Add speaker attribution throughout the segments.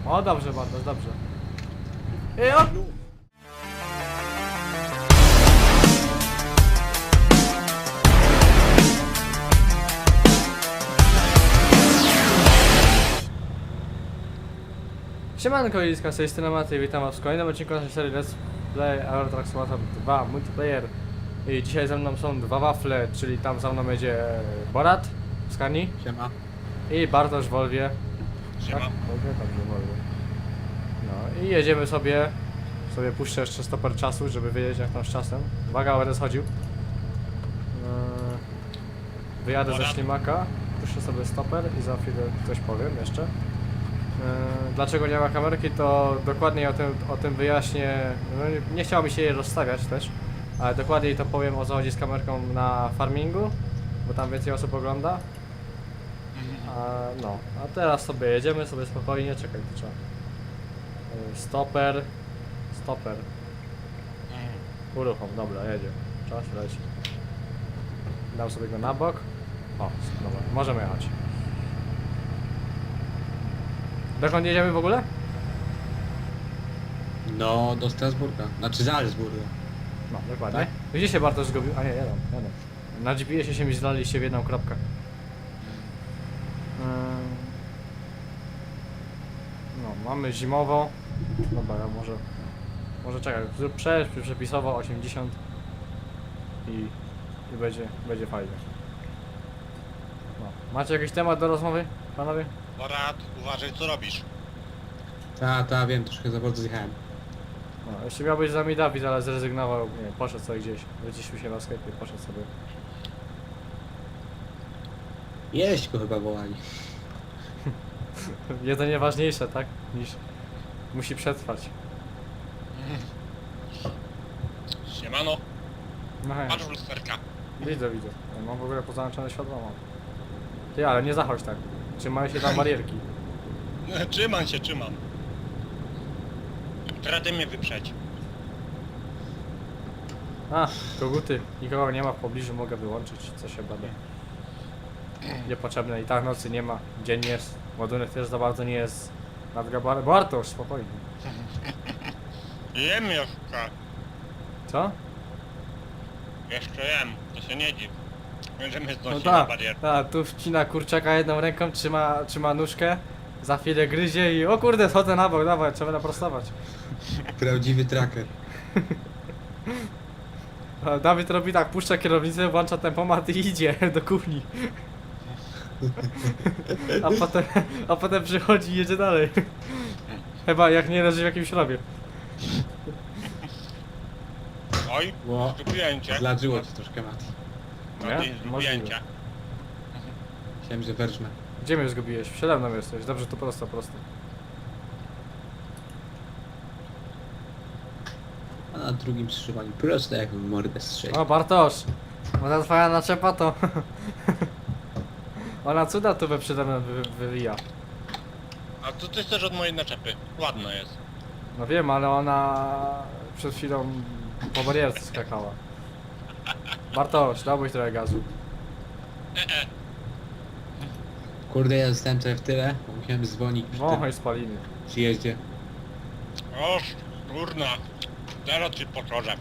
Speaker 1: O, dobrze, Bartosz, dobrze. I o! Siemanko, Liska, z tej strony Maty, witam was w kolejnym odcinku naszej serii Let's Play Euro Truck Simulator 2 Multiplayer. I dzisiaj ze mną są dwa wafle, czyli tam za mną będzie Borat w Skanii.
Speaker 2: Siema.
Speaker 1: I Bartosz w Volwie.
Speaker 3: Siema.
Speaker 1: Tak? Volwie? Dobrze, Volwie. No i jedziemy sobie puszczę jeszcze stoper czasu, żeby wiedzieć jak tam z czasem. Uwaga, będę schodził. Wyjadę ze ślimaka, puszczę sobie stoper i za chwilę coś powiem jeszcze. Dlaczego nie ma kamerki, to dokładniej o tym wyjaśnię. No, nie chciało mi się jej rozstawiać też, ale dokładniej to powiem o co chodzi z kamerką na farmingu, bo tam więcej osób ogląda. A teraz sobie jedziemy sobie spokojnie, czekaj, to trzeba. Stoper. Uruchom, dobra, jedzie. Czas leci. Dam sobie go na bok. O, dobra, możemy jechać. Dokąd jedziemy w ogóle?
Speaker 2: No, do Strasburga. Znaczy Salzburga.
Speaker 1: No, dokładnie.
Speaker 2: Tak?
Speaker 1: Gdzie się Bartosz zgubił? A nie, jadę. Na GPS-ie się mi zlaliście w jedną kropkę. No, mamy zimowo. Dobra, ja może czekaj, zrób przepisowo 80 i będzie fajnie. No. Macie jakiś temat do rozmowy, panowie?
Speaker 3: Borat, uważaj co robisz.
Speaker 2: Ta, wiem, troszkę za bardzo zjechałem.
Speaker 1: No, jeszcze miał być z nami Dawid, ale zrezygnował, nie, poszedł sobie gdzieś, wyciszył się na sklepie, poszedł sobie.
Speaker 2: Jeść go chyba wołali.
Speaker 1: Jedzenie ważniejsze, tak? Niż musi przetrwać.
Speaker 3: Siemano,
Speaker 1: No hej,
Speaker 3: patrz w lusterka.
Speaker 1: widzę. Ja mam w ogóle pozałączone światło. Mam. Ty, ale nie zachodź tak. Trzymają się tam barierki.
Speaker 3: Trzymam. Teraz ty mnie wyprzedź.
Speaker 1: A, koguty. Nikogo nie ma w pobliżu, mogę wyłączyć, co się bada. Niepotrzebne i tak nocy nie ma. Dzień jest. Ładunek też za bardzo nie jest nadgabany. Bartosz, spokojnie.
Speaker 3: Jem jeszcze.
Speaker 1: Co?
Speaker 3: Jeszcze jem, to się nie dziw. Będziemy
Speaker 1: No
Speaker 3: znosić na barierę.
Speaker 1: tu wcina kurczaka jedną ręką, trzyma nóżkę. Za chwilę gryzie i o kurde, schodzę na bok, dawaj, trzeba naprostować.
Speaker 2: Prawdziwy tracker.
Speaker 1: A Dawid robi tak, puszcza kierownicę, włącza tempomat i idzie do kuchni. A potem przychodzi i jedzie dalej. Chyba jak nie leży w jakimś rowie.
Speaker 3: Oj,
Speaker 2: Ło,
Speaker 3: zgubiłem cię.
Speaker 2: zladżyło ci troszkę, Mati.
Speaker 3: No
Speaker 1: Nie?
Speaker 3: ty, zgubiłem
Speaker 1: Możliwe.
Speaker 3: cię.
Speaker 2: Myślałem, że wężmę.
Speaker 1: Gdzie mnie zgubiłeś? Przede mną jesteś, dobrze, to prosto.
Speaker 2: A na drugim skrzyżowaniu prosto jak w mordę strzeli.
Speaker 1: O Bartosz, bo ta twoja naczepa to... Ona cuda tu przede mną wywija.
Speaker 3: A co ty chcesz od mojej naczepy? Ładna jest.
Speaker 1: No wiem, ale ona przed chwilą po barierce skakała. Bartosz, dałbyś trochę gazu.
Speaker 2: Kurde, ja zostałem trochę w tyle, bo musiałem dzwonić przy tym
Speaker 1: Wąchaj spaliny.
Speaker 2: przyjeździe.
Speaker 3: Oż, kurna. Teraz ci poczorze.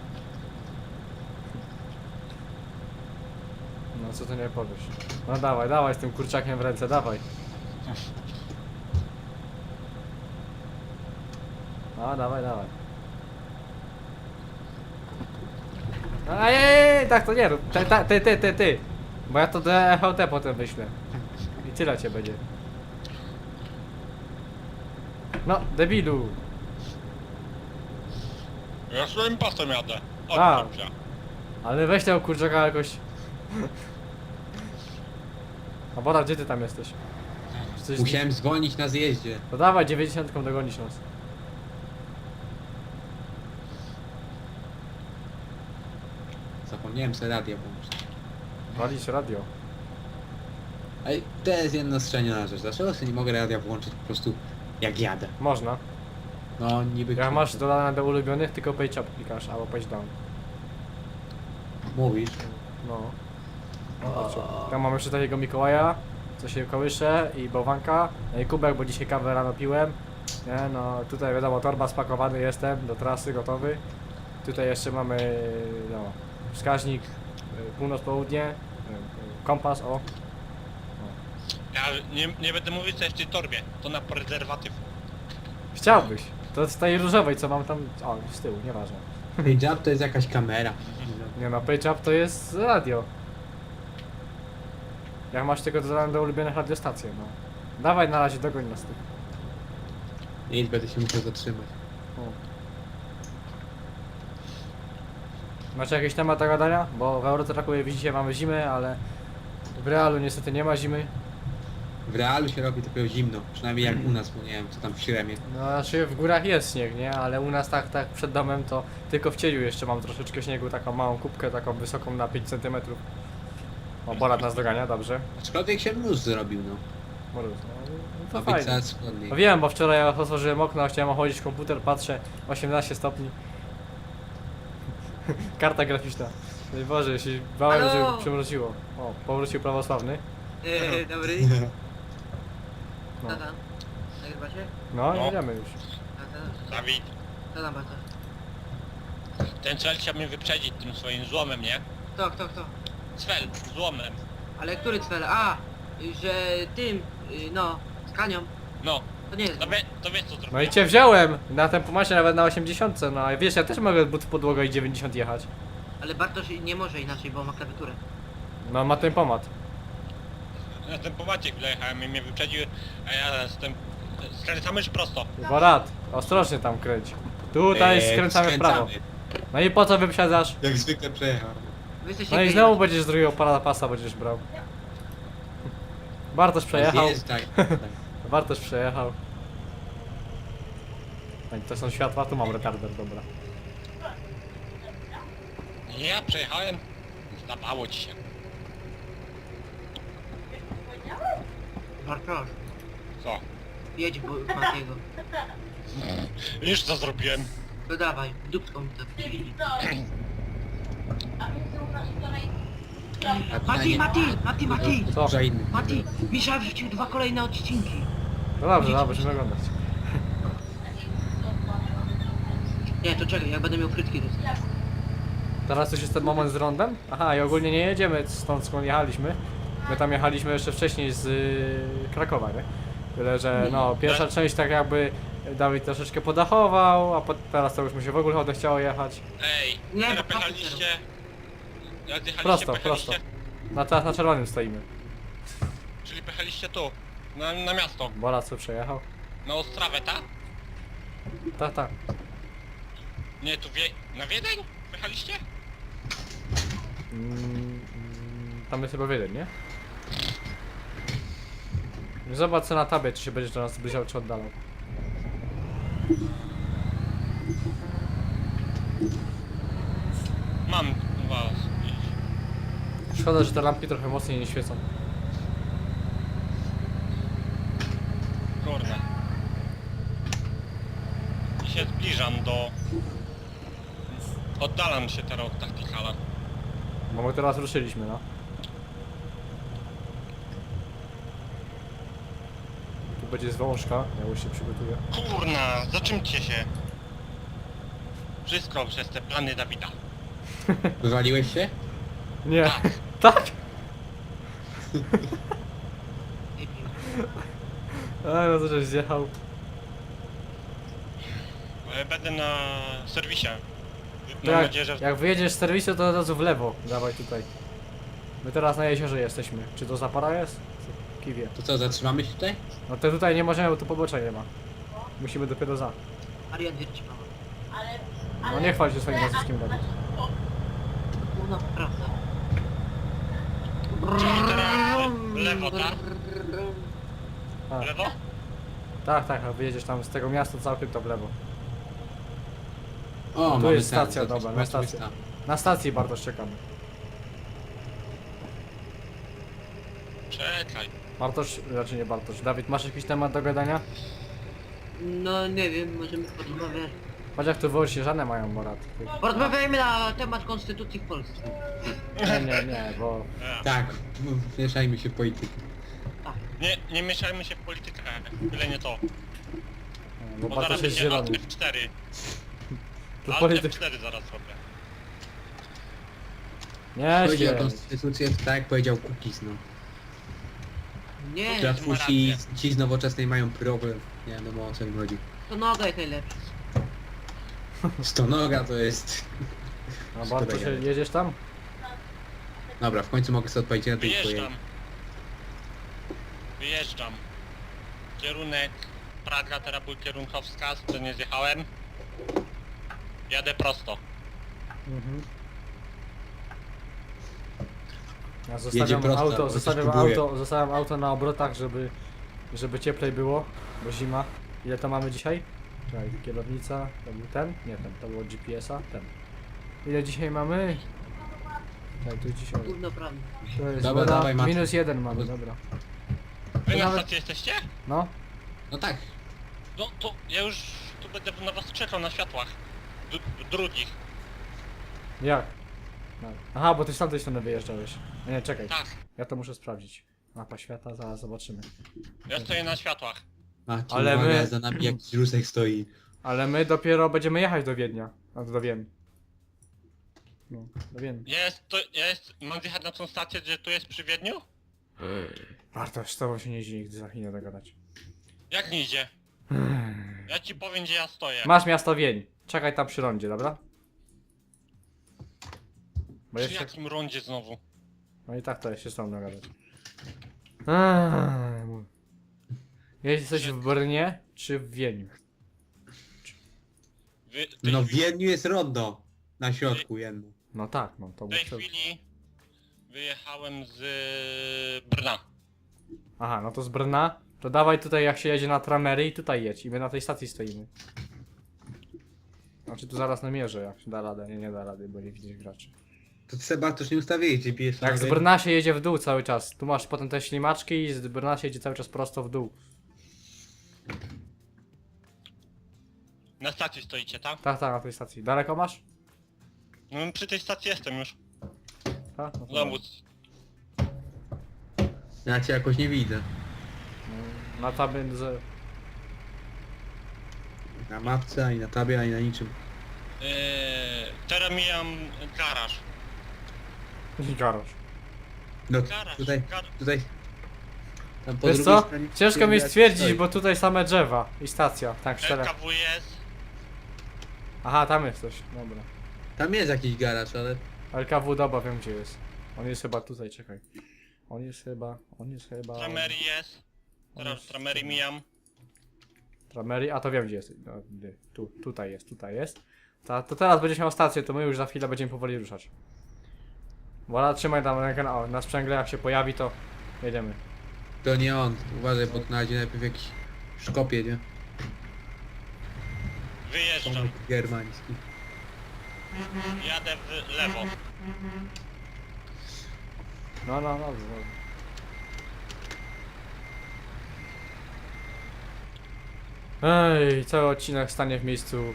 Speaker 1: No co ty nie powiesz? No dawaj z tym kurczakiem w ręce, dawaj. No dawaj. Ej, tak to nie rób. Ty. Bo ja to do EHT potem wyślę. I tyle cię będzie. No, debilu.
Speaker 3: Ja swoim pasem jadę.
Speaker 1: A.
Speaker 3: Odczep się.
Speaker 1: Ale weź tego kurczaka jakoś. A Bora, gdzie ty tam jesteś? Czy coś
Speaker 2: Musiałem dzwonić na zjeździe.
Speaker 1: No dawaj, 90 dogonisz nas.
Speaker 2: Zapomniałem sobie radio włączyć.
Speaker 1: Walić radio.
Speaker 2: Ej, to jest jedna strzeniona rzecz. Dlaczego sobie nie mogę radia włączyć po prostu jak jadę?
Speaker 1: Można.
Speaker 2: No niby...
Speaker 1: Jak masz dodane do ulubionych, tylko page up klikasz, albo page down.
Speaker 2: Mówisz?
Speaker 1: No. Zobaczcie. Tam mam jeszcze takiego Mikołaja, co się kołysze i bałwanka. No i kubek, bo dzisiaj kawę rano piłem. Nie no, tutaj wiadomo, torba spakowany jestem, do trasy gotowy. Tutaj jeszcze mamy, no, wskaźnik północ-południe, kompas, o.
Speaker 3: Ja nie będę mówił co jest w tej torbie. To na prezerwatyw.
Speaker 1: Chciałbyś. To z tej różowej, co mam tam, o, z tyłu, nieważne.
Speaker 2: Hijab to jest jakaś kamera.
Speaker 1: Nie no, page up to jest radio. Jak masz tylko dodane do ulubionych radiostacji, no. Dawaj na razie, dogoń nas tych.
Speaker 2: Nic, będę się musiał zatrzymać.
Speaker 1: O. Macie jakiś temat do gadania? Bo w Eurotracku widzicie mamy zimę, ale w realu niestety nie ma zimy.
Speaker 2: W realu się robi dopiero zimno. Przynajmniej jak u nas, bo nie wiem co tam w Śremie.
Speaker 1: No znaczy w górach jest śnieg, nie? Ale u nas tak przed domem to tylko w cieniu jeszcze mam troszeczkę śniegu, taką małą kubkę, taką wysoką na 5 cm. O, Borat nas dogania, dobrze.
Speaker 2: Aczkolwiek się mróz zrobił, no.
Speaker 1: Mróz, no to
Speaker 2: Ma być
Speaker 1: fajnie.
Speaker 2: coraz chłodniej.
Speaker 1: No wiem, bo wczoraj jak otworzyłem okno, chciałem ochodzić komputer, patrzę, 18 stopni. Karta graficzna. No i Boże, się bałem,
Speaker 4: Halo?
Speaker 1: że przymroziło. O, powrócił prawosławny.
Speaker 4: Dobry.
Speaker 1: No,
Speaker 4: Co tam? Nagrywacie?
Speaker 1: no
Speaker 3: No.
Speaker 1: jedziemy już.
Speaker 3: Dawid,
Speaker 4: Co tam bardzo?
Speaker 3: ten cel chciał mnie wyprzedzić tym swoim złomem, nie?
Speaker 4: Kto?
Speaker 3: Cel, złomem.
Speaker 4: Ale który cel? A, że tym, no, z Kanią.
Speaker 3: No,
Speaker 4: To nie jest.
Speaker 3: to wiesz co zrobiłem?
Speaker 1: No i cię wziąłem! Na tempomacie nawet na 80, no i wiesz, ja też mogę but w podłogę i 90 jechać.
Speaker 4: Ale Bartosz nie może inaczej, bo ma klawiaturę.
Speaker 1: No ma tempomat.
Speaker 3: Na ten pomaciek wlejechałem i mnie wyprzedził, a ja jestem... Skręcamy czy prosto?
Speaker 1: Borat, ostrożnie tam kręć. Tutaj skręcamy w prawo. No i po co wyprzedzasz?
Speaker 2: Jak zwykle przejechał.
Speaker 4: Wy jesteście
Speaker 1: No i
Speaker 4: geje.
Speaker 1: znowu będziesz z drugiego pasa będziesz brał. Bartosz przejechał.
Speaker 2: Jest, tak, tak.
Speaker 1: Bartosz przejechał. No i to są światła, tu mam retarder, dobra.
Speaker 3: Nie, ja przejechałem. Zdawało ci się.
Speaker 4: Bartosz,
Speaker 3: Co?
Speaker 4: jedź bo Matiego.
Speaker 3: Już co zrobiłem?
Speaker 4: No dawaj, dupką mi to wciśnij. Mati!
Speaker 1: Co?
Speaker 2: Za inny.
Speaker 4: Mati! Misza wrzucił 2 kolejne odcinki.
Speaker 1: No dobrze, dobra, będziemy oglądać.
Speaker 4: Nie, to czekaj, jak będę miał frytki to...
Speaker 1: Teraz już jest ten moment z rondem? Aha, i ogólnie nie jedziemy stąd skąd jechaliśmy. My tam jechaliśmy jeszcze wcześniej z Krakowa, nie? Tyle, że no, pierwsza część tak jakby Dawid troszeczkę podachował, a teraz to już mu się w ogóle odechciało jechać.
Speaker 3: Ej,
Speaker 4: Nie,
Speaker 3: nie,
Speaker 4: bo
Speaker 3: pojechaliście... Jak zjechaliście,
Speaker 1: Prosto,
Speaker 3: pojechaliście...
Speaker 1: prosto. Teraz na czerwonym stoimy.
Speaker 3: Czyli pojechaliście tu, na miasto,
Speaker 1: Borat co przejechał?
Speaker 3: na Ostrawę, tak?
Speaker 1: Tak.
Speaker 3: Nie, tu na Wiedeń? Pojechaliście?
Speaker 1: Tam jest chyba jeden, nie? Zobacz co na tabie, czy się będziesz do nas zbliżał, czy oddalał.
Speaker 3: Mam was.
Speaker 1: Szkoda, że te lampki trochę mocniej nie świecą.
Speaker 3: Kurde. I się zbliżam do... Oddalam się teraz od taktikala.
Speaker 1: Bo my teraz ruszyliśmy, no. Tu będzie zwążka, ja już się przygotuję.
Speaker 3: Kurna, zaczymcie się. Wszystko przez te plany Dawida.
Speaker 2: Wywaliłeś się?
Speaker 1: Nie. Tak? A no to żeś zjechał.
Speaker 3: Będę na serwisie.
Speaker 1: To
Speaker 3: Mam nadzieję, że...
Speaker 1: jak wyjedziesz z serwisu, to od razu w lewo. Dawaj tutaj. My teraz na jeziorze jesteśmy. Czy to Zapora jest? Kiwie.
Speaker 2: To co, zatrzymamy się tutaj?
Speaker 1: No to tutaj nie możemy, bo tu pobocza nie ma. Musimy dopiero za.
Speaker 4: Arian wierci mama.
Speaker 1: No nie chwal się swoim nazwiskiem, Dawid.
Speaker 4: No, prawda.
Speaker 3: Czyli teraz w lewo, tak?
Speaker 1: A,
Speaker 3: W lewo?
Speaker 1: tak, a wyjedziesz tam z tego miasta całkiem to w lewo.
Speaker 2: O,
Speaker 1: Tu
Speaker 2: mamy
Speaker 1: jest
Speaker 2: ten,
Speaker 1: stacja,
Speaker 2: to-
Speaker 1: dobra, na
Speaker 2: zobaczmy
Speaker 1: stację.
Speaker 2: stan.
Speaker 1: Na stacji Bartosz czekamy.
Speaker 3: Czekaj.
Speaker 1: Bartosz, raczej nie Bartosz. Dawid, masz jakiś temat do gadania?
Speaker 4: No nie wiem, możemy porozmawiać.
Speaker 1: Patrz jak tu Włościeżane mają morat.
Speaker 4: Porozmawiajmy na temat konstytucji w Polsce.
Speaker 1: Nie, bo...
Speaker 2: Tak, mieszajmy się w politykę.
Speaker 3: Nie mieszajmy się w politykę. Byle nie to.
Speaker 1: Bo
Speaker 3: Bo
Speaker 1: Bartosz
Speaker 3: zaraz
Speaker 1: jest
Speaker 3: będzie Alt
Speaker 1: zielony.
Speaker 3: F4.
Speaker 1: To
Speaker 3: Alt
Speaker 1: polityk.
Speaker 3: F4 zaraz zrobię.
Speaker 1: Nie
Speaker 2: Chodzi o
Speaker 1: się.
Speaker 2: konstytucję, to tak jak powiedział Kukiz, no.
Speaker 4: Nie,
Speaker 2: Trafusi, ci z nowoczesnej mają problem. Nie wiadomo o co im chodzi.
Speaker 4: to noga jest najlepsza.
Speaker 2: Stonoga to jest...
Speaker 1: A Bartosz, jedziesz tam?
Speaker 2: Dobra, w końcu mogę sobie odpowiedzieć na tej twojej...
Speaker 3: Wyjeżdżam. Wyjeżdżam. Kierunek Praga, teraz był kierunkowskaz, to nie zjechałem. Jadę prosto.
Speaker 1: Mhm. Ja
Speaker 2: Jedzie
Speaker 1: zostawiam
Speaker 2: prosto,
Speaker 1: auto,
Speaker 2: bo coś
Speaker 1: zostawiam
Speaker 2: próbuje.
Speaker 1: zostawiam auto na obrotach, żeby cieplej było, bo zima. Ile to mamy dzisiaj? Czekaj, kierownica, to był ten? Nie ten, to było GPS-a, ten. Ile dzisiaj mamy? Tak, to jest dzisiaj.
Speaker 4: Gówno prawda.
Speaker 1: To jest
Speaker 2: Dobra,
Speaker 1: woda,
Speaker 2: dawaj, Maciej.
Speaker 1: -1 mamy, dobra.
Speaker 3: Wy na
Speaker 1: Nawet-
Speaker 3: stacji jesteście?
Speaker 1: No,
Speaker 2: No tak.
Speaker 3: No to ja już tu będę na was czekał na światłach. Drugich.
Speaker 1: jak? No. Aha, bo ty z tamtej strony wyjeżdżałeś. Nie, czekaj,
Speaker 3: Tak.
Speaker 1: ja to muszę sprawdzić. Mapa świata, zaraz zobaczymy.
Speaker 3: Ja stoję na światłach.
Speaker 2: Macie,
Speaker 1: Ale
Speaker 2: ale
Speaker 1: my-
Speaker 2: za nami jakiś rusek stoi.
Speaker 1: Ale my dopiero będziemy jechać do Wiednia. A do Wien. No, do Wien.
Speaker 3: Mam zjechać na tą stację, gdzie tu jest przy Wiedniu?
Speaker 1: Bartosz, z tobą się nie idzie nigdy za chwilę dogadać.
Speaker 3: Jak nie idzie? Ja ci powiem, gdzie ja stoję.
Speaker 1: Masz miasto Wień. Czekaj tam przy rondzie, dobra? Bo
Speaker 3: Przy
Speaker 1: jeszcze...
Speaker 3: jakim rondzie znowu?
Speaker 1: No i tak to się z tobą dogadać. Jesteś w Brnie czy w Wieniu?
Speaker 3: W tej
Speaker 2: No w
Speaker 3: chwili-
Speaker 2: Wiedniu jest rondo. Na środku jedno.
Speaker 1: No tak, no to
Speaker 3: W tej
Speaker 1: muszę...
Speaker 3: chwili wyjechałem z Brna.
Speaker 1: Aha, no to z Brna. To dawaj tutaj jak się jedzie na Tramery i tutaj jedź. I my na tej stacji stoimy. Znaczy tu zaraz namierzę jak się da radę. Nie da rady, bo nie widzisz graczy.
Speaker 2: To ty sobie Bartosz nie ustawiłeś GPS.
Speaker 1: Jak z Brna się jedzie w dół cały czas. Tu masz potem te ślimaczki i z Brna się jedzie cały czas prosto w dół.
Speaker 3: Na stacji stoicie, tak?
Speaker 1: Tak, tak, na tej stacji. Daleko masz?
Speaker 3: No przy tej stacji jestem już.
Speaker 1: Tak? No to
Speaker 3: Znowu.
Speaker 2: Ja cię jakoś nie widzę.
Speaker 1: na tabie z...
Speaker 2: Na mapce, ani na tabie, ani na niczym.
Speaker 3: Teraz mijam garaż.
Speaker 1: Garaż.
Speaker 2: No
Speaker 3: Garaż.
Speaker 2: tutaj... Tam po
Speaker 1: Wiesz
Speaker 2: drugiej
Speaker 1: co?
Speaker 2: stronie
Speaker 1: Ciężko mi
Speaker 2: jak
Speaker 1: stwierdzić,
Speaker 2: stoi.
Speaker 1: bo tutaj same drzewa i stacja. Tak, czterech.
Speaker 3: LKW jest.
Speaker 1: Aha, tam jest coś. Dobra.
Speaker 2: Tam jest jakiś garaż, ale...
Speaker 1: LKW doba, wiem gdzie jest. On jest chyba tutaj, czekaj. On jest chyba...
Speaker 3: Tramery jest.
Speaker 1: On
Speaker 3: Teraz
Speaker 1: jest-
Speaker 3: Tramery mijam.
Speaker 1: Tramery, a to wiem gdzie jest. No, tutaj jest. To teraz będziesz miał stację, to my już za chwilę będziemy powoli ruszać. Wola, trzymaj tam rękę na sprzęgle, jak się pojawi to jedziemy.
Speaker 2: To nie on. Uważaj, bo na razie najpierw jakiś szkopie, nie?
Speaker 3: Wyjeżdżam.
Speaker 2: Tomek germański.
Speaker 3: Jadę w lewo.
Speaker 1: No, dobrze. Ej, cały odcinek stanie w miejscu.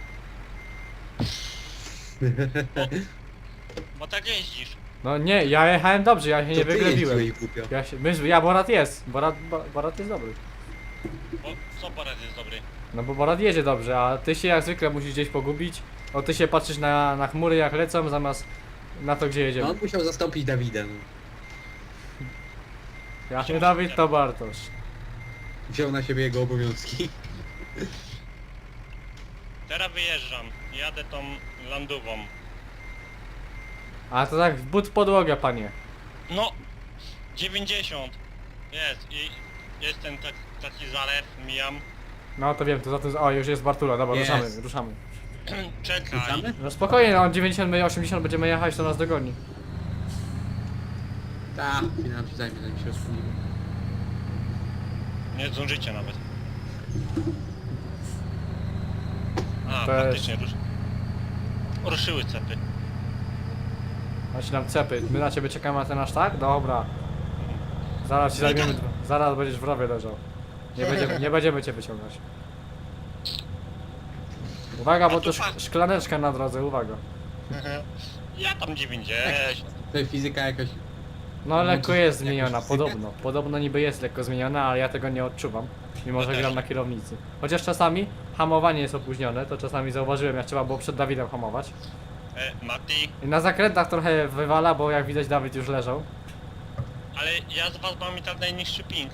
Speaker 3: Bo tak jeździsz.
Speaker 1: No nie, ja jechałem dobrze, ja się nie
Speaker 2: To ty
Speaker 1: wyglebiłem.
Speaker 2: jeździłeś, głupio.
Speaker 1: Ja Borat jest. Borat jest dobry.
Speaker 3: Bo co Borys jest dobry?
Speaker 1: No bo Borat jedzie dobrze, a ty się jak zwykle musisz gdzieś pogubić. O, ty się patrzysz na chmury jak lecą, zamiast na to gdzie
Speaker 2: No
Speaker 1: jedziemy.
Speaker 2: on musiał zastąpić Dawida, no.
Speaker 1: Ja nie Dawid, to Bartosz.
Speaker 2: Wziął na siebie jego obowiązki.
Speaker 3: Teraz wyjeżdżam. Jadę tą landową.
Speaker 1: A to tak w but podłogę, panie.
Speaker 3: No! 90! Jest i jest ten taki zalew, mijam.
Speaker 1: No to wiem, to za tym... O, już jest Bartula, dobra,
Speaker 2: Jest.
Speaker 1: ruszamy.
Speaker 3: Czekaj.
Speaker 2: Wracamy?
Speaker 1: No spokojnie, no 90, my 80 będziemy jechać, to nas dogoni.
Speaker 2: Tak, chwilę nam się zajmie, zanim się rozpłynimy.
Speaker 3: Nie zdążycie nawet. A,
Speaker 1: To jest-
Speaker 3: faktycznie ruszyły cepy.
Speaker 1: Macie nam cepy, my na ciebie czekamy na ten aż tak? Dobra. Zaraz ci zajmiemy, zaraz będziesz w rowie leżał. Nie będziemy cię wyciągać. Uwaga, bo
Speaker 3: A
Speaker 1: to
Speaker 3: tu patrz.
Speaker 1: szklaneczka na drodze, uwaga.
Speaker 3: Ja tam 90.
Speaker 2: Tutaj fizyka jakaś...
Speaker 1: No
Speaker 2: No,
Speaker 1: lekko
Speaker 2: to
Speaker 1: jest
Speaker 2: jakoś
Speaker 1: zmieniona,
Speaker 2: fizykę?
Speaker 1: podobno. Podobno niby jest lekko zmieniona, ale ja tego nie odczuwam. Mimo, że
Speaker 3: Ja
Speaker 1: gram
Speaker 3: też.
Speaker 1: na kierownicy. Chociaż czasami hamowanie jest opóźnione, to czasami zauważyłem, jak trzeba było przed Dawidem hamować.
Speaker 3: Mati,
Speaker 1: I na zakrętach trochę wywala, bo jak widać Dawid już leżał.
Speaker 3: ale ja z was mam i tak najniższy ping.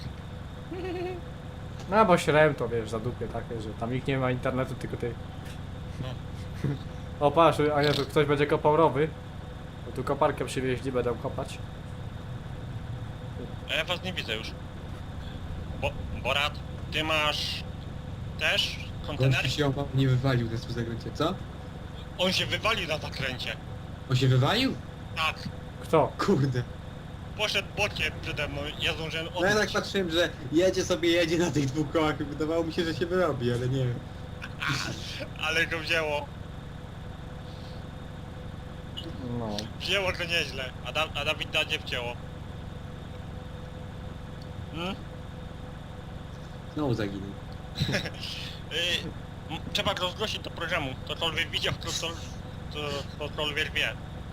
Speaker 1: No bo śrem to wiesz, za dupie takie, że tam nikt nie ma internetu, tylko ty.
Speaker 3: No.
Speaker 1: O patrz, a nie, tu ktoś będzie kopał rowy. Bo tu koparkę przywieźli, będą kopać.
Speaker 3: A ja was nie widzę już. Borat, ty masz też kontener?
Speaker 2: Gościu się nie wywalił teraz w zakręcie, co?
Speaker 3: On się wywalił na zakręcie.
Speaker 2: On się wywalił?
Speaker 3: Tak.
Speaker 1: Kto?
Speaker 2: Kurde.
Speaker 3: Poszedł bokiem przede mną, ja zdążyłem
Speaker 2: No ja tak
Speaker 3: odbić.
Speaker 2: patrzyłem, że jedzie na tych dwóch kołach i wydawało mi się, że się wyrobi, ale nie.
Speaker 3: Ale go wzięło.
Speaker 1: No.
Speaker 3: Wzięło go nieźle, a Dawida nie wcięło.
Speaker 2: Znowu zaginął.
Speaker 3: Trzeba go zgłosić do programu. Ktokolwiek widział, ktokolwiek wie.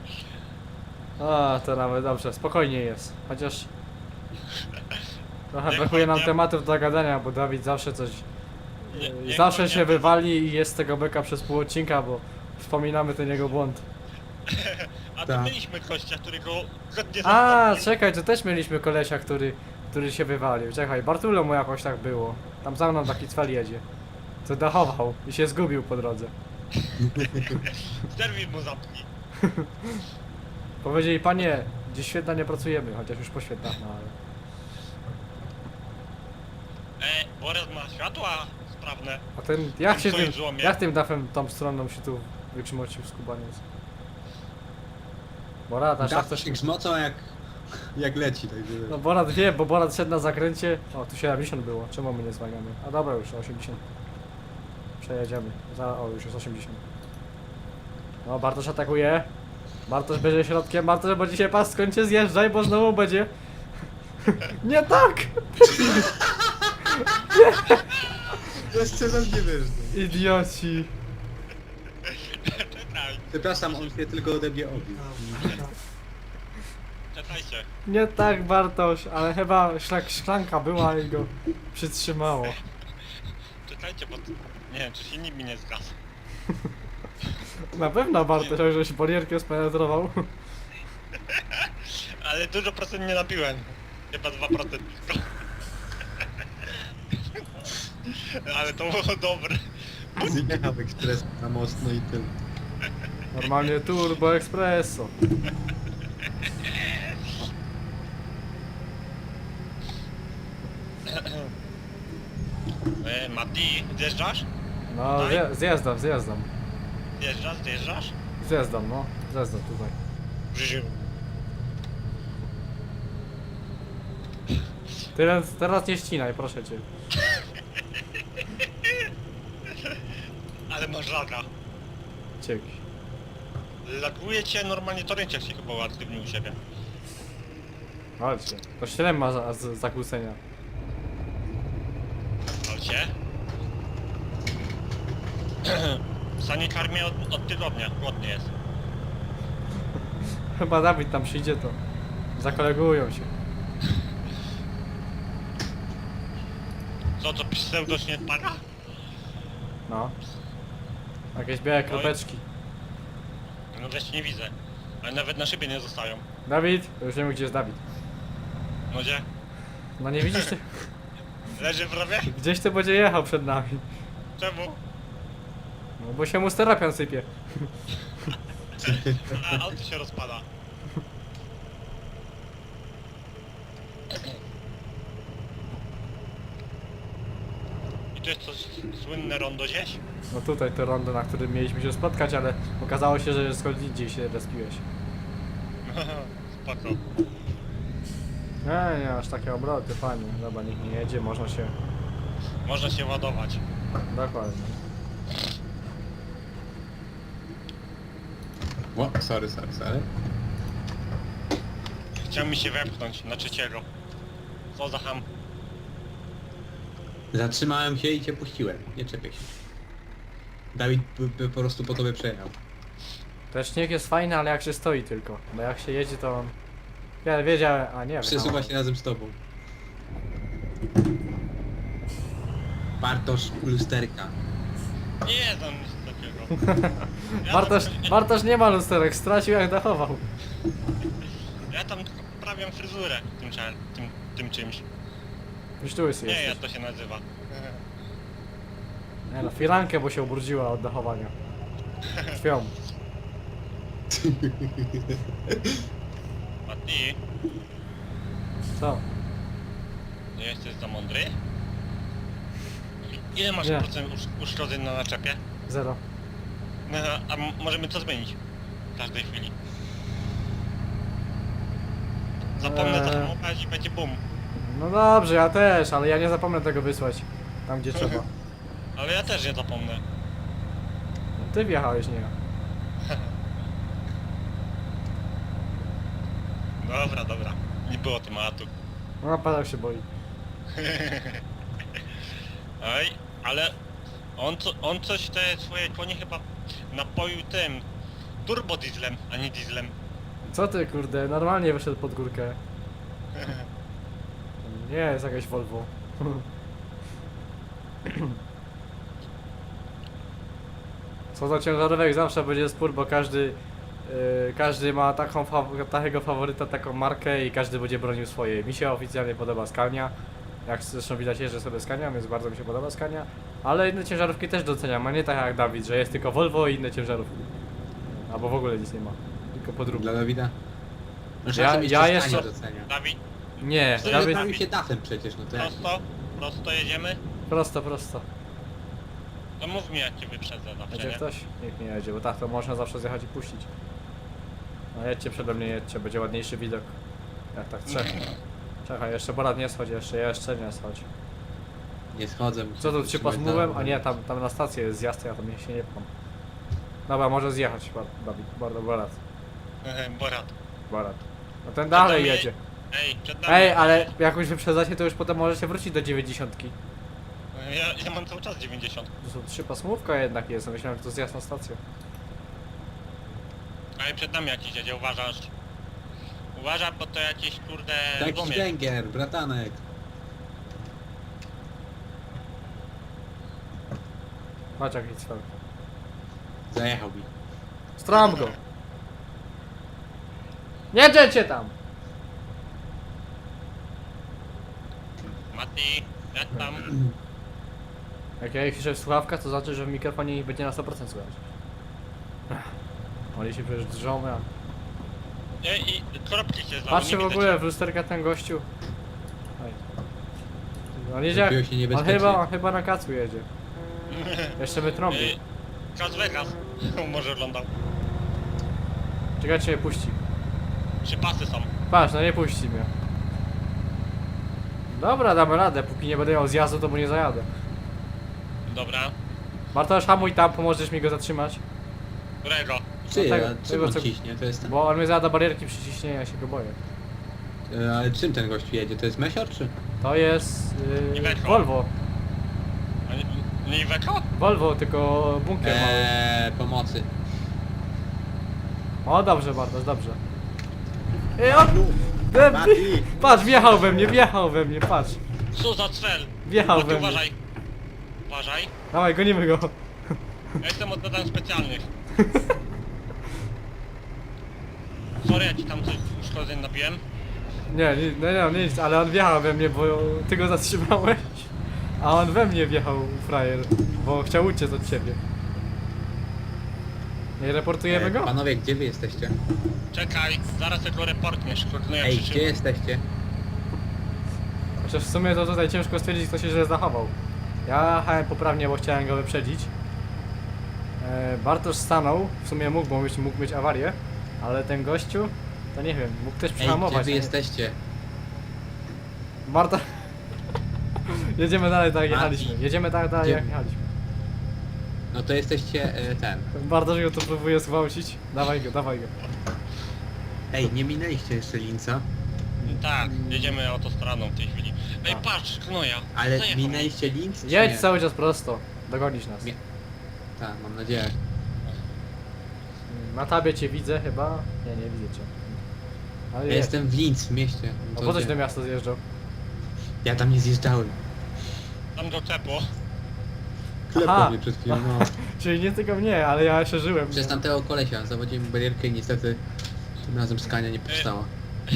Speaker 1: A, to nawet dobrze, spokojnie jest. Chociaż... Trochę
Speaker 3: Niech
Speaker 1: brakuje nam
Speaker 3: będzie.
Speaker 1: tematów do gadania, bo Dawid zawsze coś...
Speaker 3: Niech
Speaker 1: zawsze
Speaker 3: będzie.
Speaker 1: się wywali i jest z tego beka przez pół odcinka, bo wspominamy ten jego błąd.
Speaker 3: A to
Speaker 2: Tak.
Speaker 3: mieliśmy gościa, którego zgodnie
Speaker 1: A,
Speaker 3: zostawił.
Speaker 1: czekaj, to też mieliśmy kolesia, który się wywalił. Czekaj, Bartulo mu jakoś tak było. Tam za mną taki cwel jedzie. Co dachował i się zgubił po drodze.
Speaker 3: Serwis mu zamknij.
Speaker 1: Powiedzieli, panie, dziś świetna nie pracujemy, chociaż już po świętach, no ale...
Speaker 3: Borys ma światła sprawne.
Speaker 1: A ten, jak
Speaker 3: Tam
Speaker 1: się
Speaker 3: stoi
Speaker 1: tym,
Speaker 3: w złomie.
Speaker 1: jak tym dafem tą stroną się tu wykrzmocił skubaniec? Borat, aż tak
Speaker 2: Dach
Speaker 1: też...
Speaker 2: się grzmocą jak leci, także...
Speaker 1: No Borat wie, bo Borat szedł na zakręcie. O, tu 70 było, czemu my nie zwalniamy? A dobra, już 80. Przejedziemy. O, już jest 80. No, Bartosz atakuje. Bartosz bierze środkiem, Bartosz, bo dzisiaj pas skończy, zjeżdżaj, bo znowu będzie... Nie tak!
Speaker 2: Jeszcze raz nie wiesz.
Speaker 1: Idioci.
Speaker 3: Czekaj,
Speaker 2: Przepraszam, on się tylko ode mnie obił.
Speaker 3: czekajcie.
Speaker 1: Nie tak, Bartosz, ale chyba szklanka była i go przytrzymało.
Speaker 3: Czekajcie, bo... Nie wiem, czy silnik mi nie zgasł.
Speaker 1: Na pewno Bartosz, że się barierkę spenetrował.
Speaker 3: Ale dużo procent nie nabiłem. Chyba 2% tylko. Ale to było dobre.
Speaker 2: Zjechał ekspres na most, no i tyle.
Speaker 1: Normalnie Turbo Espresso.
Speaker 3: Mati, zjeżdżasz?
Speaker 1: No,
Speaker 3: Tutaj?
Speaker 1: zjeżdżam.
Speaker 3: Zjeżdżasz?
Speaker 1: Zjeżdżam, no. Zjeżdżam tutaj.
Speaker 3: W życiu.
Speaker 1: Teraz nie ścinaj, proszę cię.
Speaker 3: Ale masz laga.
Speaker 1: Cieki.
Speaker 3: Laguje cię normalnie torrent, jak się chyba uaktywnił u siebie.
Speaker 1: Chodźcie. To 7 ma zakłócenia.
Speaker 3: Chodźcie. Sanitar mnie od tygodnia, głodny jest.
Speaker 1: Chyba Dawid tam przyjdzie, to zakolegują się.
Speaker 3: Co to pseudo śniadania?
Speaker 1: No. Jakieś białe kropeczki.
Speaker 3: No wreszcie nie widzę. Ale nawet na szybie nie zostają.
Speaker 1: Dawid? To już nie wiem, gdzie jest Dawid.
Speaker 3: No gdzie?
Speaker 1: No nie widzisz ty?
Speaker 3: Leży w rowie?
Speaker 1: Gdzieś ty będzie jechał przed nami.
Speaker 3: Czemu?
Speaker 1: No bo się mu steropian sypie.
Speaker 3: A auto się rozpada. I to jest to słynne rondo gdzieś?
Speaker 1: No tutaj to rondo, na którym mieliśmy się spotkać, ale okazało się, że skąd indziej się respiłeś.
Speaker 3: Spoko.
Speaker 1: Nie, aż takie obroty, fajnie. Dobra, nikt nie jedzie, można się...
Speaker 3: Można się ładować.
Speaker 1: Dokładnie.
Speaker 2: O, sorry.
Speaker 3: Chciał mi się wepchnąć na trzeciego. Co za ham.
Speaker 2: Zatrzymałem się i cię puściłem. Nie czepię się. Dawid by po prostu po tobie przejechał.
Speaker 1: Ten śnieg jest fajny, ale jak się stoi tylko. Bo jak się jedzie, to on... Ja wiedziałem, a nie wiem.
Speaker 2: Przesuwa się razem z tobą. Bartosz lusterka.
Speaker 3: Nie znam nic takiego. Ja
Speaker 1: Bartosz nie ma lusterek, stracił jak dachował.
Speaker 3: Ja tam tylko poprawiam fryzurę tym czymś.
Speaker 1: Już tu jest.
Speaker 3: Nie, jak to się nazywa.
Speaker 1: Nie no, firankę, bo się ubrudziła od dachowania. Krwią.
Speaker 3: A ty
Speaker 1: Co?
Speaker 3: nie jesteś za mądry? Ile masz
Speaker 1: Nie.
Speaker 3: procent uszkodzeń na naczepie?
Speaker 1: 0.
Speaker 3: No, a możemy to zmienić w każdej chwili. Zapomnę zahamować i będzie bum.
Speaker 1: No dobrze, ja też, ale ja nie zapomnę tego wysłać. Tam gdzie trzeba.
Speaker 3: Ale ja też nie zapomnę.
Speaker 1: Ty wjechałeś, nie ja.
Speaker 3: Dobra, dobra. Nie było tematu.
Speaker 1: No padał się boi.
Speaker 3: Ej, ale on coś te swoje konie chyba napoił tym turbodieslem, a nie dieslem.
Speaker 1: Co ty kurde, normalnie wyszedł pod górkę. Nie jest jakaś Volvo. Co za ciężarówek zawsze będzie spór, bo każdy ma takiego faworyta, taką markę i każdy będzie bronił swoje. Mi się oficjalnie podoba Scania. Jak zresztą widać, jeżdżę sobie Scania, więc bardzo mi się podoba Scania. Ale inne ciężarówki też doceniam, a nie tak jak Dawid, że jest tylko Volvo i inne ciężarówki. Albo w ogóle nic nie ma. Tylko podróbki.
Speaker 2: Dla Dawida. No,
Speaker 1: Ja
Speaker 2: jeszcze
Speaker 1: jeszcze-
Speaker 2: Scania docenia.
Speaker 3: Dawid,
Speaker 1: Nie,
Speaker 3: Dawid-
Speaker 1: Dawid...
Speaker 2: Bawi się dachem przecież, no to jak?
Speaker 3: prosto jedziemy?
Speaker 1: Prosto.
Speaker 3: To mów mi, jak cię wyprzedzę zawsze,
Speaker 1: Jedzie
Speaker 3: nie?
Speaker 1: ktoś? Nikt nie jedzie, bo tak to można zawsze zjechać i puścić. No jedźcie przede mnie, jedźcie, będzie ładniejszy widok. Jak tak trzech. Czekaj, jeszcze Borat nie schodź, jeszcze nie schodź.
Speaker 2: Nie schodzę.
Speaker 1: Co tu, 3
Speaker 2: trzymać
Speaker 1: pasmówem?
Speaker 2: dalej.
Speaker 1: A nie, tam na stację jest zjazd, ja tam się nie pcham. Dobra, może zjechać, Dawid,
Speaker 3: Borat.
Speaker 1: Borat. No ten dalej
Speaker 3: nami-
Speaker 1: jedzie.
Speaker 3: Ej, przed nami.
Speaker 1: Ej, ale jak już wyprzedzacie, to już potem możecie wrócić do 90.
Speaker 3: Ja mam cały czas 90.
Speaker 1: To są 3 pasmówka jednak jest, myślałem, że to zjazd na stację.
Speaker 3: Ej, przed nami jakiś jedzie, uważasz? Uważaj, bo to jakiś kurde
Speaker 2: Taki
Speaker 3: gumie.
Speaker 2: węgier, bratanek.
Speaker 1: Patrz jaki cel.
Speaker 2: Zajechał mi.
Speaker 1: Stram go! Nie jedziecie tam!
Speaker 3: Mati, jak tam?
Speaker 1: Jak ja ich piszę w słuchawkach, to znaczy, że w mikrofonie ich będzie na 100% słychać. Oni się przecież drżą, ja.
Speaker 3: Ej, i kropki się zlały,
Speaker 1: Patrzcie
Speaker 3: nie
Speaker 1: w
Speaker 3: widać.
Speaker 1: ogóle w lusterka ten gościu. Oj. On jedzie
Speaker 2: Zrobiło
Speaker 1: jak...
Speaker 2: się niebezpiecznie.
Speaker 1: On chyba na kacu jedzie. Jeszcze my trąbi.
Speaker 3: Ej, Las Vegas. Może oglądał.
Speaker 1: Czekajcie, mnie puści.
Speaker 3: 3 pasy są.
Speaker 1: Patrz, no nie puści mnie. Dobra, damy radę. Póki nie będę miał zjazdu, to mu nie zajadę.
Speaker 3: Dobra.
Speaker 1: Bartosz, hamuj tam, pomożesz mi go zatrzymać.
Speaker 3: Którego?
Speaker 2: Ty,
Speaker 1: tego-
Speaker 2: a czym
Speaker 1: tego,
Speaker 2: on
Speaker 1: co-
Speaker 2: ciśnie? To jest ten...
Speaker 1: Bo on mnie zada barierki przy ciśnieniu, ja się go boję.
Speaker 2: Ale czym ten gościu jedzie? To jest Mesior czy?
Speaker 1: To jest...
Speaker 3: Iveco.
Speaker 1: Volvo.
Speaker 3: A nie Iveco?
Speaker 1: Volvo, tylko bunkier mały.
Speaker 2: Pomocy.
Speaker 1: O, dobrze, Bartosz, dobrze. Ej, on...
Speaker 2: Mati!
Speaker 1: Patrz, wjechał we mnie, patrz.
Speaker 3: Co za cel?
Speaker 1: Wjechał
Speaker 3: Mati,
Speaker 1: we mnie.
Speaker 3: uważaj. Uważaj.
Speaker 1: Dawaj, gonimy go.
Speaker 3: Ja jestem od zadań specjalnych. Sorry, ja ci tam coś uszkodzeń nabiłem.
Speaker 1: Nie, nic, ale on wjechał we mnie, bo ty go zatrzymałeś. A on we mnie wjechał, frajer, bo chciał uciec od ciebie. Nie reportujemy go?
Speaker 2: Panowie, gdzie wy jesteście?
Speaker 3: Czekaj, zaraz tylko reportniesz, koordynuję
Speaker 2: Ej, gdzie
Speaker 3: przyczynę.
Speaker 2: jesteście?
Speaker 1: Chociaż w sumie to tutaj ciężko stwierdzić, kto się źle zachował. Ja jechałem poprawnie, bo chciałem go wyprzedzić. Bartosz stanął, w sumie mógł mieć awarię, ale ten gościu, to nie wiem, mógł też
Speaker 2: Ej, gdzie
Speaker 1: przehamować.
Speaker 2: wy
Speaker 1: nie?
Speaker 2: jesteście?
Speaker 1: Barta... Jedziemy dalej tak jak
Speaker 2: Mati.
Speaker 1: jechaliśmy. Jedziemy tak dalej
Speaker 2: Gdzie-
Speaker 1: jak jechaliśmy.
Speaker 2: No to jesteście ten.
Speaker 1: Bartosz go tu próbuje zgwałcić. Dawaj go.
Speaker 2: Ej, nie minęliście jeszcze Linca,
Speaker 3: Tak, jedziemy autostradą w tej chwili. Ej,
Speaker 1: A.
Speaker 3: patrz, knoja.
Speaker 2: ale
Speaker 3: Zajechał.
Speaker 2: minęliście Links? czy
Speaker 1: Jedź
Speaker 2: nie?
Speaker 1: cały czas prosto. Dogonisz nas.
Speaker 2: Nie. Tak, mam nadzieję.
Speaker 1: Na tabie cię widzę chyba. Nie widzę cię. Ale
Speaker 2: Ja
Speaker 1: jedź.
Speaker 2: jestem w Linz, w mieście.
Speaker 1: A
Speaker 2: To
Speaker 1: po coś
Speaker 2: gdzie?
Speaker 1: do miasta zjeżdżał?
Speaker 2: Ja tam nie zjeżdżałem.
Speaker 3: Tam do czepu.
Speaker 2: Klepał mnie przed chwilą, no.
Speaker 1: Czyli nie tylko mnie, ale ja jeszcze żyłem.
Speaker 2: Przez tamtego kolesia zawodziłem barierkę i niestety tym razem skania nie powstała.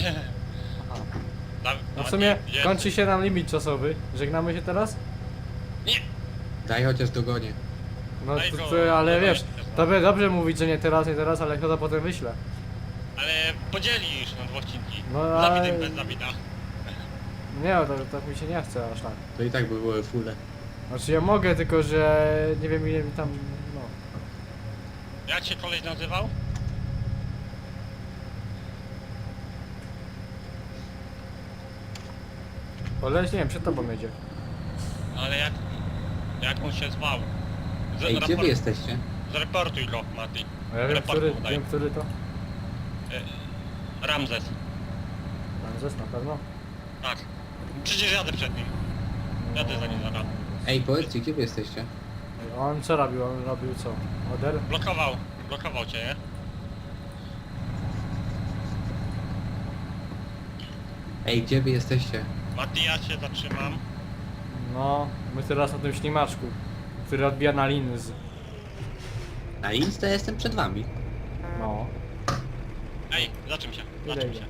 Speaker 1: No w sumie
Speaker 3: Gdzie
Speaker 1: kończy się nam limit czasowy. Żegnamy się teraz?
Speaker 2: Daj chociaż dogonię.
Speaker 1: No
Speaker 3: Daj go,
Speaker 1: ale
Speaker 3: dawaj,
Speaker 1: wiesz,
Speaker 3: teraz.
Speaker 1: to by dobrze mówić, że nie teraz, ale chyba potem wyślę.
Speaker 3: Ale podzielisz na dwa odcinki.
Speaker 1: No,
Speaker 3: Z
Speaker 1: ale-
Speaker 3: Dawidem bez Dawida.
Speaker 1: Nie, to mi się nie chce aż tak.
Speaker 2: To i tak by były fulle.
Speaker 1: Znaczy ja mogę, tylko że nie wiem ile mi tam, no.
Speaker 3: Jak się koleś nazywał?
Speaker 1: Koleś, nie wiem, przed tobą jedzie.
Speaker 3: Ale jak on się zwał?
Speaker 2: Ej, gdzie wy jesteście?
Speaker 3: Zreportuj go, Mati.
Speaker 1: A ja wiem,
Speaker 3: Report mu daj.
Speaker 1: który to?
Speaker 3: Ramzes.
Speaker 1: Ramzes na pewno.
Speaker 3: Tak. Przecież jadę przed nim. Jadę za nim zaraz.
Speaker 2: Ej, powiedzcie, gdzie wy jesteście?
Speaker 1: On co robił? On robił co? Oder?
Speaker 3: Blokował cię, nie?
Speaker 2: Ej, gdzie wy jesteście?
Speaker 3: Mati, ja się zatrzymam.
Speaker 1: No, my teraz na tym ślimaczku, który odbija na lins.
Speaker 2: Na Insta jestem przed wami.
Speaker 1: No.
Speaker 3: Ej, zaczym się.
Speaker 1: Idę,
Speaker 3: Zaczym
Speaker 1: idę.
Speaker 3: się.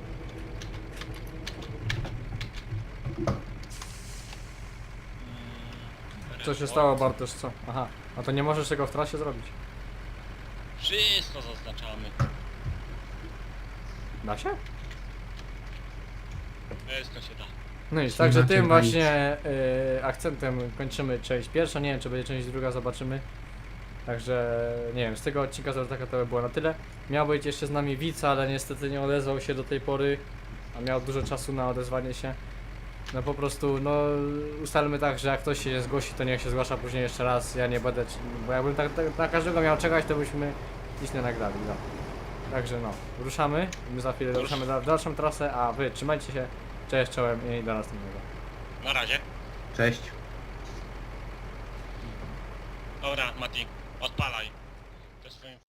Speaker 1: Co się stało, Bartosz, co? Aha, a to nie możesz tego w trasie zrobić.
Speaker 3: Wszystko zaznaczamy.
Speaker 1: Da się?
Speaker 3: Wszystko się da.
Speaker 1: No i
Speaker 2: Ślimaczek
Speaker 1: także tym
Speaker 2: na
Speaker 1: właśnie akcentem kończymy część pierwsza, nie wiem czy będzie część druga, zobaczymy. Także nie wiem, z tego odcinka taka to by było na tyle. Miał być jeszcze z nami widz, ale niestety nie odezwał się do tej pory, a miał dużo czasu na odezwanie się. No po prostu, no ustalmy tak, że jak ktoś się zgłosi, to niech się zgłasza później jeszcze raz, ja nie będę, bo jakbym tak na każdego miał czekać, to byśmy nic nie nagrali, no. Także no, ruszamy, my za chwilę ruszamy w dalszą trasę, a wy trzymajcie się, cześć, czołem i do następnego.
Speaker 3: Na razie.
Speaker 2: Cześć.
Speaker 3: Dobra, Mati. Odpalaj. To jest twoim